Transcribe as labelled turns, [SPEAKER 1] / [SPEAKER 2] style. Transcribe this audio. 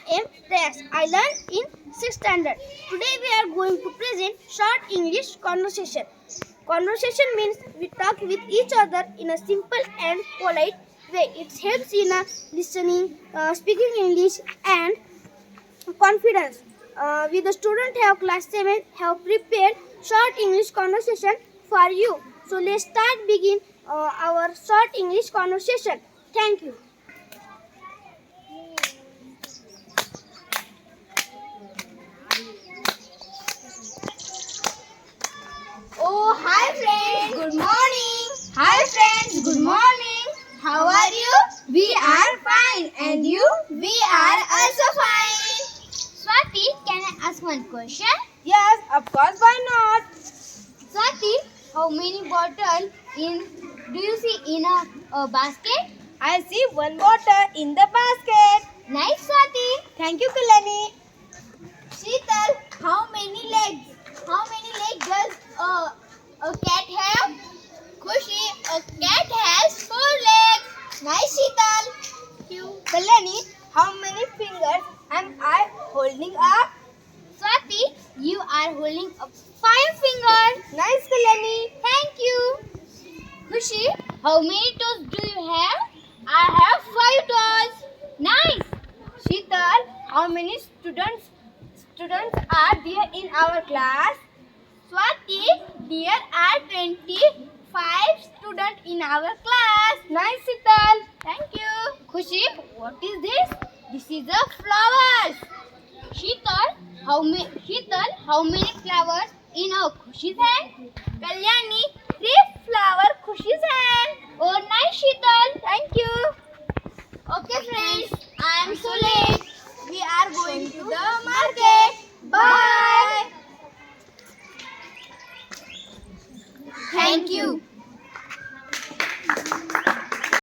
[SPEAKER 1] am Reyes. I learned in 6th standard. Today we are going to present short English conversation. Conversation means we talk with each other in a simple and polite way. It helps in listening, speaking English, and confidence. We the student have class 7 have prepared short English conversation for you. So let's begin our short English conversation. Thank you. Oh, hi friends. Good morning. Hi friends. Good morning. How are you? We are fine. And you? We are also fine.
[SPEAKER 2] Swati, can I ask one question?
[SPEAKER 1] Yes, of course. Why not?
[SPEAKER 2] Swati, how many bottles do you see in a basket?
[SPEAKER 1] I see one water in the basket.
[SPEAKER 2] Nice, Swati.
[SPEAKER 1] Thank you, Kalani.
[SPEAKER 2] Sheetal, how many legs? How many legs does a cat have? Khushi, a cat has 4 legs. Nice, Sheetal.
[SPEAKER 1] Thank you. Kalani, how many fingers am I holding up?
[SPEAKER 2] Swati, you are holding up 5 fingers.
[SPEAKER 1] Nice, Kalani.
[SPEAKER 2] Thank you. Khushi, how many toes do you have? I have 5 toes. Nice.
[SPEAKER 1] Sheetal, how many students are there in our class?
[SPEAKER 2] Swati, there are 25 students in our class.
[SPEAKER 1] Nice, Sheetal.
[SPEAKER 2] Thank you. Khushi, what is this? This is a flowers. Sheetal, how many flowers in a Khushi's hand?
[SPEAKER 1] Kalyani, 3 flower Khushi's hand.
[SPEAKER 2] Oh, nice, Sheetal.
[SPEAKER 1] Thank you.
[SPEAKER 2] Okay, friends, I am so late.
[SPEAKER 1] We are going to the market. Bye.
[SPEAKER 2] Thank you.